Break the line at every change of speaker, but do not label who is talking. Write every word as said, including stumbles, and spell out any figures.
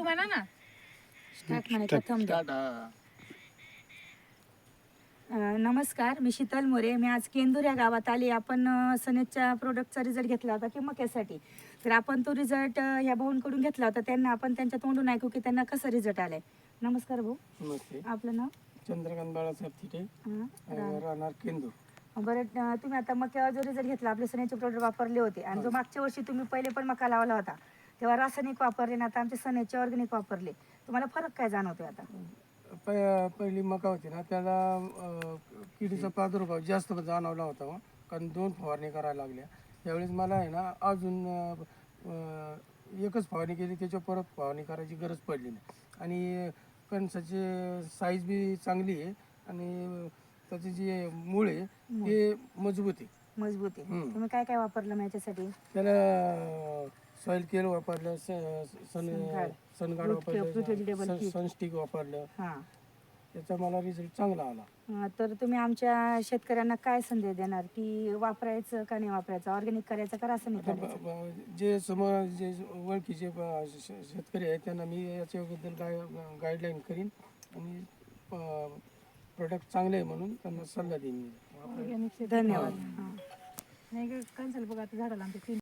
म्हणा ना.
स्टार्ट म्हणायचा थंब द्या. अं, नमस्कार, मी शीतल मोरे. मी आज केंदूर या गावात आली. आपण अं, सनेजच्या प्रोडक्टचा रिझल्ट घेतला होता की मक्यासाठी. तर आपण तो रिझल्ट ह्या भाऊंकडून घेतला होता. त्यांना आपण त्यांच्या तोंडून ऐकू की त्यांना कसा रिझल्ट आलाय. नमस्कार भाऊ.
नमस्ते.
आपलं नाव?
चंद्रकांत बाळासाहेब थिटे,
हां,
अं, राहणार केंदूर.
बरं. अं, तुम्ही आता मक्यावर जो रिझल्ट घेतला, आपले सनेचे प्रोडक्ट वापरले होते आणि जो मागच्या वर्षी तुम्ही पहिले पण मका लावला होता तेव्हा रासायनिक वापरले ना, आता आमचे सनेचे ऑर्गॅनिक वापरले, तुम्हाला फरक काय जाणवतोय आता?
प- पहिली मका होती ना त्याला अं, किडीचा प्रादुर्भाव जास्त जाणवला होता हो. कारण दोन फवारणी करायला लागल्या. त्यावेळेस मला आहे ना अजून अं, अं, एकच फवारणी केली, त्याच्यावर परत फवारणी करायची गरज पडली नाही. आणि कणसाची साईज बी चांगली आहे आणि त्याचे जे मूळ आहे ते मजबूत आहे.
मजबूत आहे.
हम्म.
तुम्ही काय काय वापरलं मग याच्यासाठी?
त्याला सॉइल केअर वापरलं, स- सन
सनगाड.
सनगाड
Root care, fruit vegetable
वापरलं,
kit.
सनस्टिक वापरलं.
हां.
त्याचा मला रिझल्ट चांगला आला.
अं, तर तुम्ही आमच्या शेतकऱ्यांना काय संदेश देणार की वापरायचं का नाही वापरायचं, ऑर्गॅनिक करायचं का रासायनिक
आता ब-
करायचं?
ब- जे समोर जे ओळखीचे ब- श- शेतकरी आहेत त्यांना मी याच्याबद्दल गाय गाईडलाईन करीन आणि प्रोडक्ट चांगले आहे म्हणून त्यांना सल्ला देईन मी.
धन्यवाद. हां.
नाही कन्सल बघा आता झाडाला आमच्या तीन